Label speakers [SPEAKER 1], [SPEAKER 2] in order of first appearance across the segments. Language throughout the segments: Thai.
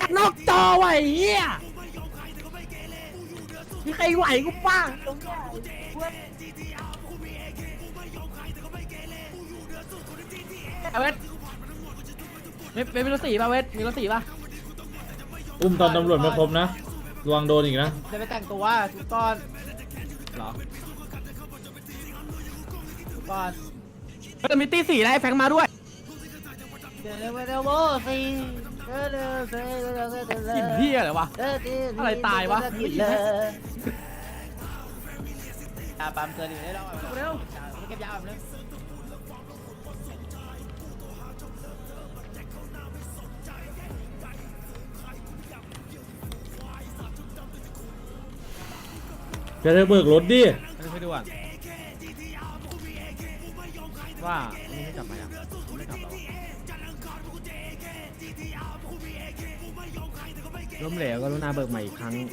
[SPEAKER 1] นอกจอไว้เฮียมีใครไหวกูบ้างตรงเนี้ยเวทมีรถสีป่ะเวทมีรถสีป่ะ
[SPEAKER 2] อุ้มตอนตำรวจไม่ครบนะระวังโดนอีกนะ
[SPEAKER 1] จะไปแต่งตัวทุกตอนเหรอทุกตอนจะมีตีสีนะไอ้แฟงมาด้วยกลิ่นเหี้ยอะไรวะอะไรตายวะปั๊มเจอดีได้แล้วเร็วเก็บยาแบบนึง
[SPEAKER 2] จะได้เบิกรถดิ
[SPEAKER 1] ไปดูก่อนว่าอันนี้ไม่กลับมายังไม่กลับแล้วล้มเหลวก็รุณาเบิกใหม่อีกครั้ง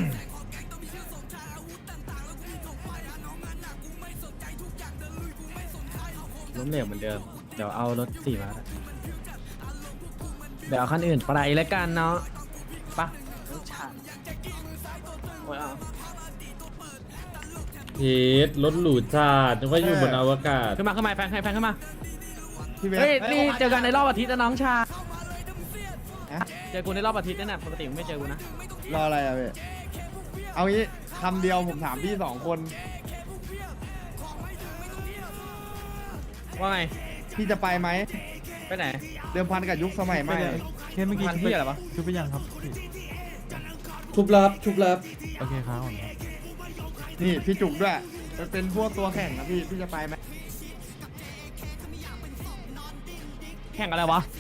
[SPEAKER 1] ล้มเหลวเหมือนเดิมเดี๋ยวเอารถสี่มาเดี๋ยวเอาคันอื่นไปแล้วกันเนาะปะโอ้ยเอา
[SPEAKER 2] เฮ็ดรถหรูจัดนึกว่าอยู่บนอวกาศ
[SPEAKER 1] ขึ้นมาแฟนขึ้นมาเฮ้ยนี่เจอกันในรอบอาทิตย์นะน้องชาเจอกูในรอบอาทิตย์นั่นน่ะปกติมึงไม่เจอกูนะ
[SPEAKER 3] รออะไรอะพี่เอางี้คำเดียวผมถามพี่2 คน
[SPEAKER 1] ว่าไง
[SPEAKER 3] พี่จะไปไหม
[SPEAKER 1] ไปไหน
[SPEAKER 3] เดิมพันกับยุคสมัยใหม่
[SPEAKER 4] เคสเมื่อกี้
[SPEAKER 1] มันที่อะไรวะ
[SPEAKER 4] ชุบไปยังครับ
[SPEAKER 2] ชุบรับ
[SPEAKER 4] โอเคครับผม
[SPEAKER 3] นี่พี่จุกด้วยมันเป็นพวกตัวแข่งนะพี่จะไปไหม
[SPEAKER 1] แข่งอะไรวะ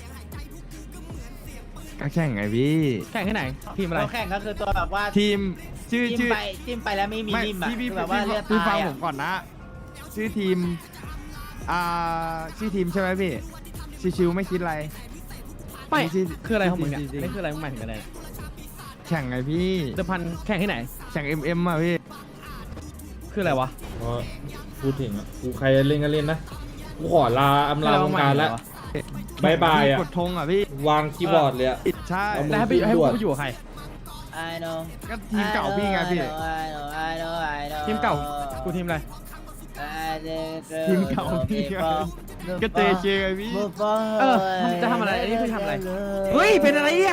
[SPEAKER 4] ก็แข่งไงพี่
[SPEAKER 1] แข่งที่ไหนทีมอะไร
[SPEAKER 5] ตัวแข่งก็คือตัวแบบว่า
[SPEAKER 4] ทีมชื่อ
[SPEAKER 5] จิ้มไปแล้วไม่มี
[SPEAKER 3] ไม่
[SPEAKER 5] นิ่มอะ
[SPEAKER 3] พี่
[SPEAKER 5] คือแบบว่าเลือด
[SPEAKER 3] พี่ฟั
[SPEAKER 5] ตาง ย
[SPEAKER 3] ผ
[SPEAKER 5] อะ
[SPEAKER 3] มก่อนนะ ชื่อทีมชื่อทีมใช่ไหมพี่ชิวๆไม่คิดอะไร
[SPEAKER 1] ไม่
[SPEAKER 3] ชื่
[SPEAKER 1] คืออะไรของมึงเนี่ย
[SPEAKER 3] จริๆ
[SPEAKER 1] นี่คืออะไรมึงหมายถึงอะไร
[SPEAKER 3] แข่งไงพี่
[SPEAKER 1] เดิมพันแข่งที่ไหน
[SPEAKER 3] แข่ง MM อ่ะพี่
[SPEAKER 1] คืออะไรวะ
[SPEAKER 2] พอพูดถึงอ่ะกูใครเล่นก็เล่นนะกูขอลาอำลาวงการแล้วบายบายอ่ะ
[SPEAKER 3] กดธงอ่ะพี่
[SPEAKER 2] วางคีย์บอร์ดเลยอ่ะ
[SPEAKER 3] ใช่
[SPEAKER 2] เอามื
[SPEAKER 1] แล้วให้ไปกูไปอยู่กับใคร
[SPEAKER 5] I know
[SPEAKER 3] ก็ทีมเก่าพี่ไงพี่
[SPEAKER 5] I know
[SPEAKER 1] ทีมเก่ากูทีมอะไร
[SPEAKER 3] ทีมเก่าพี่ไงก็เจเจไงพี่
[SPEAKER 1] เออจะทำอะไรอันนี้คือทำอะไรเฮ้ยเป็นอะไรเนี่ย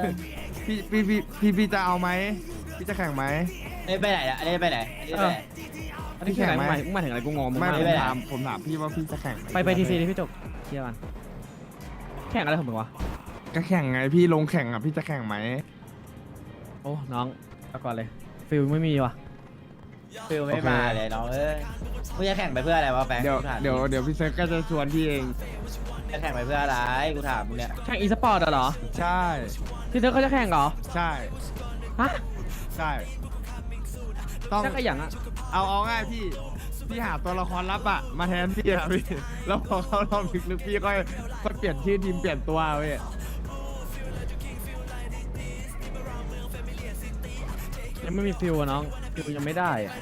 [SPEAKER 3] พี่จะเอาไหมพี่จะแข่งไหม
[SPEAKER 5] นี่ไปไหนอะอันนี้ไปไหนอันนี้ไปไหน
[SPEAKER 1] อันนี้คืออะไร
[SPEAKER 3] แข่งไหม
[SPEAKER 1] มึงหมายถึงอะไรกูงงมึง
[SPEAKER 3] ไม่
[SPEAKER 1] มาก
[SPEAKER 3] ผม
[SPEAKER 1] เลย
[SPEAKER 3] ถามพี่ว่าพี่จะแข่งหม
[SPEAKER 1] ไปทีซีดิพี่จบเที่ยวกันแข่งอะไรของมึงวะ
[SPEAKER 3] ก็แข่งไงพี่ลงแข่งอ่ะพี่จะแข่งไหม
[SPEAKER 1] โอ้น้องเอาก่อนเลยฟิลไม่มีวะ
[SPEAKER 5] ฟิลไม่มาเลยน้องเอ้ยกูจะแข่งไปเพื่ออะไรวะแฟง
[SPEAKER 3] เดี๋ยว
[SPEAKER 5] กูถาม
[SPEAKER 3] เดี๋ยวพี่เซิร์ฟก็จะชวนพี่เอง
[SPEAKER 5] จะแข่งไปเพื่ออะไรกูถามมึงเนี่ย
[SPEAKER 1] แข่งอีสปอร์ตเหรอ
[SPEAKER 3] ใช่
[SPEAKER 1] ที่เธอเขาจะแข่งเหรอ
[SPEAKER 3] ใช่
[SPEAKER 1] ฮะ
[SPEAKER 3] ใช่ต้อง
[SPEAKER 1] จะขยันอะ
[SPEAKER 3] เอาง่ายพี่หาตัวละครลับอ่ะมาแทนพี่อะพี่แล้วพอเขารอบลึกๆพี่ก็เปลี่ยนชื่อทีมเปลี่ยนตัวเว้ย
[SPEAKER 1] ยังไม่มีฟิลอะน้องฟิลยังไม่ได้อะ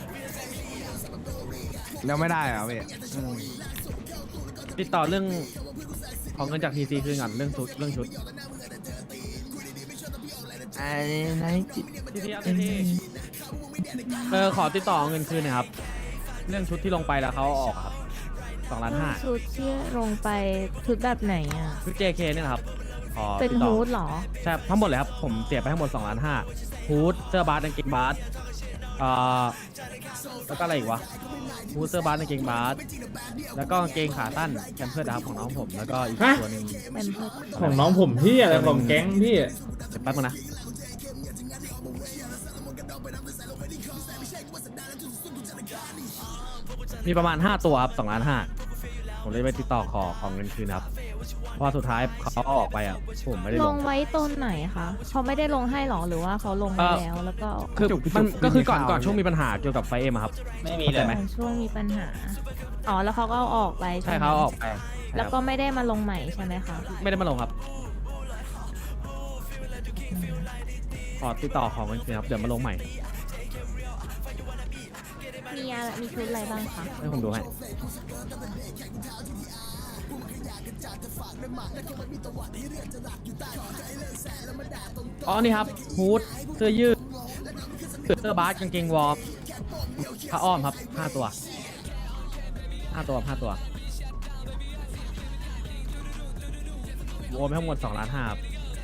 [SPEAKER 3] แล้วไม่ได้เหรอพี่
[SPEAKER 1] ติดต่อเรื่องของเงินจากทีซีคืนก่อนเรื่องชุดทีทีขอติดต่อเงินคืนหนะครับเรื่องชุดที่ลงไปแล้วเขาเอาออกอะครับ2,500,000
[SPEAKER 6] ชุดที่ลงไปชุดแบบไหนอ่ะ
[SPEAKER 1] ชุด JK เนี่ยนะครับขอ
[SPEAKER 6] เป็น
[SPEAKER 1] ติดต่อ
[SPEAKER 6] ฮูดเหรอ
[SPEAKER 1] ใช่ทั้งหมดเลยครับผมเสียไปทั้งหมด2,500,000ฮูดเสื้อบาสกางเกงบาสแล้วก็อะไรอีกวะฮูดเสื้อบาสกางเกงบาสแล้วก็กางเกงขาสั้นแคมเพิร์ดครับของน้องผมแล้วก็อีกตัวหนึง
[SPEAKER 6] เป็นเพื่อ
[SPEAKER 2] ของน้องผมพี่อะไรของแก๊งพี่
[SPEAKER 1] เดี๋ยวแป๊บนึงนะมีประมาณ5ตัวครับ2,500,000ผมเลยไปติดต่อของเงินคืนครับเพราะว่าสุดท้ายเขาเอาออกไปอ่ะผมไม่ได้
[SPEAKER 6] ล
[SPEAKER 1] ล
[SPEAKER 6] ง
[SPEAKER 1] ง
[SPEAKER 6] ไว้ต้นไหนคะเขาไม่ได้ลงให้หรอหรือว่าเขาลงไปแล้วแล้วก็
[SPEAKER 1] คือมันก็คือก่อนช่วงมีปัญหาเกี่ยวกับไฟเอ็มอะครับ
[SPEAKER 5] ไม่มี
[SPEAKER 1] เข้า
[SPEAKER 5] เล
[SPEAKER 1] ใจ
[SPEAKER 5] ย
[SPEAKER 1] ไหม
[SPEAKER 6] ช่วงมีปัญหาอ๋อแล้วเขาก็เอาออกไป
[SPEAKER 1] ใช่
[SPEAKER 6] ไหม
[SPEAKER 1] เขาเอาออกไป
[SPEAKER 6] แล้วก็ไม่ได้มาลงใหม่ใช่ไหมคะ
[SPEAKER 1] ไม่ได้มาลงครับขอติดต่อของเงินคืนครับเดี๋ยวมาลงใหม่
[SPEAKER 6] มีชุดอะไรบ้างคะ
[SPEAKER 1] ให้ผมดูให้อ๋อนี่ครับฮูดเสื้อยืดเสื้อบาสกางเกงวอร์มผ้าอ้อมครับ5 ตัว5 ตัว5 ตัวรวมทั้งหมด2.5 ล้านครับ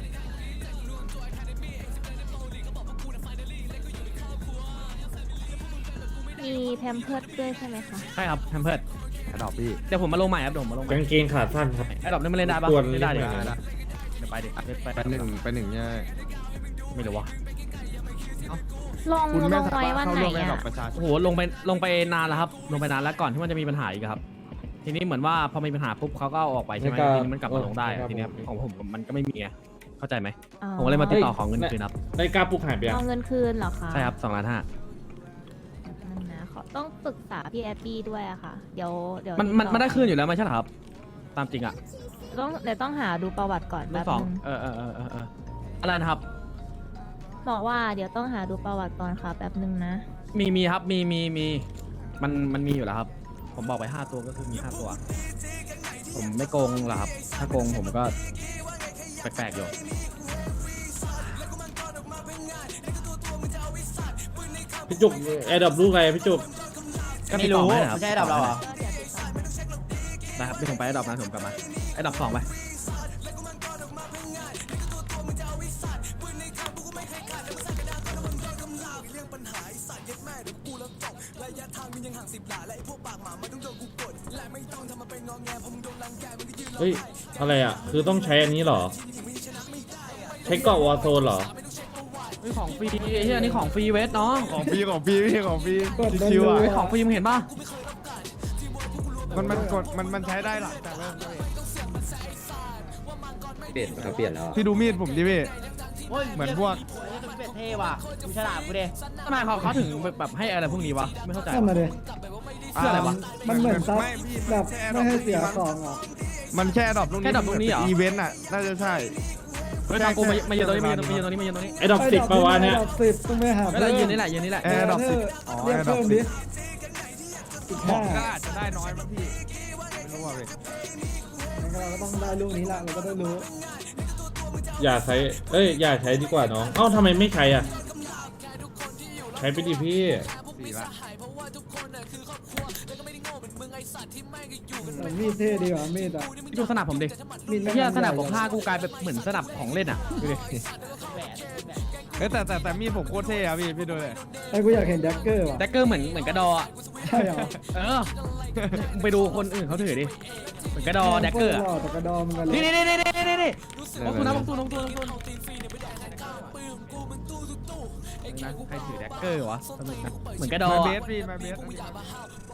[SPEAKER 6] มีแพมเพิร์ดด้วยใช่ไหมคะ
[SPEAKER 1] ใช่ครับแพมเพิร์ด
[SPEAKER 3] แอดดอปพี่
[SPEAKER 1] เดี๋ยวผมมาลงใหม่ครับเดี๋ยวผมมาลงใหม่
[SPEAKER 2] กางเกงขาสั้นครับ
[SPEAKER 1] ไอ้ดอกนี่มันเล่นได้ปะ
[SPEAKER 2] ควร
[SPEAKER 1] เล่นได้ดิ
[SPEAKER 2] เล่นได้
[SPEAKER 1] เดี๋ยวไปดิไป
[SPEAKER 3] ไปหนึ่งเนี่ย
[SPEAKER 1] ไม่รู้วะ
[SPEAKER 6] ลง
[SPEAKER 3] คุณ
[SPEAKER 6] ล
[SPEAKER 3] ไม่
[SPEAKER 6] ง
[SPEAKER 3] สา
[SPEAKER 6] ไว้
[SPEAKER 3] มารถ
[SPEAKER 6] วัน
[SPEAKER 3] เข้า
[SPEAKER 6] ไหน
[SPEAKER 3] ร่วมแอดดอ
[SPEAKER 6] อ่ะ
[SPEAKER 3] ปประชาช
[SPEAKER 1] โอ้
[SPEAKER 3] น
[SPEAKER 1] โหลงไปนานแล้วครับลงไปนานแล้วก่อนที่มันจะมีปัญหาอีกอะครับ ทีนี้เหมือนว่าพอมีปัญหาปุ๊บเขาก็เอาออกไปใช่ไหม
[SPEAKER 2] ไม่กล้า
[SPEAKER 1] ทีนี้มันกลับมาลงได้
[SPEAKER 2] ไม่กล้า
[SPEAKER 1] ทีเนี้ยของผมมันก็ไม่มีไงเข้าใจไหม
[SPEAKER 6] อ๋อ
[SPEAKER 1] ผมก็เลยมาติดต่อของเงินคืนครับ
[SPEAKER 2] ได้กล้าปลุกหายไปยัง
[SPEAKER 6] เอาเงินคืนเหรอคะ
[SPEAKER 1] ใช่ครับ2.5 ล้าน
[SPEAKER 6] นั่นนะขอต้องปรึกษาพี่แอปปี้ด้วยอะค่ะ เดี๋ยว
[SPEAKER 1] มัน
[SPEAKER 6] ติต่อ
[SPEAKER 1] มันได้คืนอยู่แล้วไม่ใช่เหรอครับ ตามจริงอะ
[SPEAKER 6] เดี๋ยวต้องหาดูประวัติก่อน
[SPEAKER 1] รู
[SPEAKER 6] แป๊
[SPEAKER 1] ป
[SPEAKER 6] บ
[SPEAKER 1] สอง
[SPEAKER 6] นึง
[SPEAKER 1] อะไรนะครับ
[SPEAKER 6] บอกว่าเดี๋ยวต้องหาดูประวัติก่อนค่ะแป๊บนึงนะ
[SPEAKER 1] มีครับมีมันมีอยู่แล้วครับ ผมบอกไป5 ตัวก็คือมี5 ตัว ผมไม่โกงหรอกครับ ถ้าโกงผมก็แปลกๆอยู่
[SPEAKER 2] พี่จุกแอร์ดรอปลูกอะไรพี่จุก
[SPEAKER 1] ก็
[SPEAKER 5] ไม่
[SPEAKER 1] ติดต่
[SPEAKER 5] รู้
[SPEAKER 1] อให้นะครับ
[SPEAKER 5] ไม่ใช่ดับเราเหรอ
[SPEAKER 1] ได้ครับเดี๋ยวผมไปไอ้ดอกนะผมกลับมาไอ้ดอก2ไป
[SPEAKER 2] เฮ้ยอะไรอ่ะคือต้องใช้อันนี้เหรอ ใช้เกาะวอร์โซนเหรอ
[SPEAKER 1] เฮ้ยของฟรีไอ้เหี้ยนี่ของฟรีเวสน้อง
[SPEAKER 3] ของพี่พี่ของพี่ชิวๆอ่ะ
[SPEAKER 1] เฮ้ยของฟรีมึงเห็นป่ะ
[SPEAKER 3] มันใช้ได้หลังจากเริ่มเลย
[SPEAKER 7] เปลี่ยนเขาเปลี่ยนแล้วอะ
[SPEAKER 3] พี่ดูมีดผมดิพี่
[SPEAKER 5] โอ้ย
[SPEAKER 3] เหมือนพวก
[SPEAKER 5] เฮ้ยเป็ดเท่ว่ะดูฉลาดกูดิ
[SPEAKER 1] ทำไมเขาถึงแบบให้อะไรพวกนี้วะไม่เข้าใจ
[SPEAKER 8] นั่นมาดิ
[SPEAKER 1] เพื่ออะไรวะ
[SPEAKER 8] มันเหมือนซับ
[SPEAKER 3] ไม่พี่
[SPEAKER 8] แบบไม่ให้เสียของอ่ะ
[SPEAKER 3] มันแค่ดรอปลูกนี้
[SPEAKER 1] แค่ดรอปลูกนี้เหรอ
[SPEAKER 3] อีเวนต์อ่ะน่าจะใช่
[SPEAKER 1] เฮ้ยทางกูมายืนตรงนี้มายืนตรงนี้มายืนตรงนี้
[SPEAKER 2] ไอ้ดอกสิบปะวะเนี่ย
[SPEAKER 8] ดอกสิบต้องไปหา
[SPEAKER 1] แล้วเรายืนนี่แหละยืนนี่แหละ
[SPEAKER 3] แอร์ดรอปสิบอ๋อ
[SPEAKER 8] เรียก
[SPEAKER 3] แอร์ดรอ
[SPEAKER 8] เพิ่
[SPEAKER 3] ป
[SPEAKER 8] ม
[SPEAKER 3] สิ
[SPEAKER 8] ดิ
[SPEAKER 3] บ
[SPEAKER 8] อีก
[SPEAKER 3] บอ
[SPEAKER 8] ห้าก
[SPEAKER 3] ก็อาจจะได้น้อยมั้งพี่ไม่รู้ว่าเว้ย
[SPEAKER 8] งั้นเราก็ต้องได้ลูกนี้ละเราก็ได้รู้
[SPEAKER 2] อย่าใช้อย่าใช้ดีกว่าน้องเอ้าทำไมไม่ใช้อ่ะใช้ไปดิพี่
[SPEAKER 3] สี่ละ
[SPEAKER 8] แต่มีดเท่ดีกว่ามีดอ่ะ
[SPEAKER 1] ดูสนับผมดิ
[SPEAKER 8] มีดแม่ง
[SPEAKER 1] เฮียสนับ
[SPEAKER 8] ใหญ่
[SPEAKER 1] ผมผ้ากูกลายเป็นเหมือนสนับของเล่นอ่ะดูดิ
[SPEAKER 3] เฮ้ยแต่มีดผมโคตรเท่อะพี่ดูเลย
[SPEAKER 8] ไอ้กูอยากเห็นแดกเกอร์ว่ะ
[SPEAKER 1] แดกเกอร์เหมือนกระดออ่ะ
[SPEAKER 8] ใช่เหรอ
[SPEAKER 1] มึงไปดูคนอื่นเขาถือดิเหมือนกระดอแดกเกอร์
[SPEAKER 8] หล่อแต่กระดอมกันเลย
[SPEAKER 1] นี่ลงทุนนะลงทุนใครถือแดกเกอร์วะเหมือนกระดอ
[SPEAKER 3] มาเบ
[SPEAKER 1] อะ
[SPEAKER 3] สพี่มาเบส